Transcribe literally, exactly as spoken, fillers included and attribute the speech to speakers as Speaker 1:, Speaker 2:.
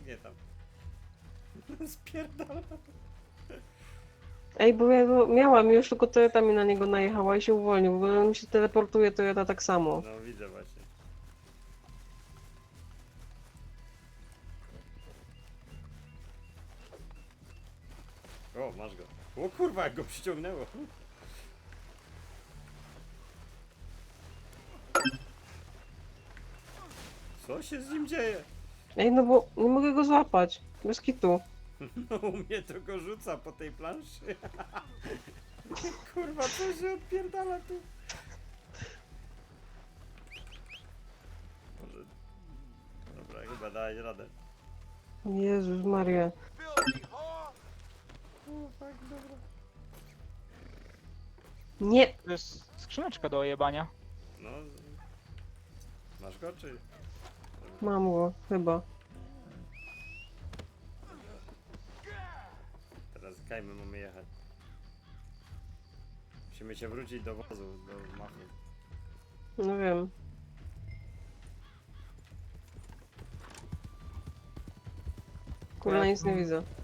Speaker 1: biegnie tam. Spierdala.
Speaker 2: Ej, bo ja go miałam już, tylko Toyota mi na niego najechała i się uwolnił, bo on się teleportuje, Toyota tak samo.
Speaker 1: No widzę właśnie. O, masz go. O kurwa, jak go przyciągnęło. Co się z nim dzieje?
Speaker 2: Ej, no bo nie mogę go złapać. Bez kitu.
Speaker 1: No u mnie to go rzuca po tej planszy. Kurwa, co się odpierdala tu? Może... Dobra, chyba daj radę.
Speaker 2: Jezus Maria.
Speaker 1: O, tak, dobra.
Speaker 2: Nie!
Speaker 3: To jest skrzyneczka do ojebania.
Speaker 1: No... Masz go, czy...
Speaker 2: Mam go, chyba.
Speaker 1: Teraz kajmy mamy jechać. Musimy się wrócić do wozu, do mafii.
Speaker 2: No wiem. Kurwa, nic nie widzę.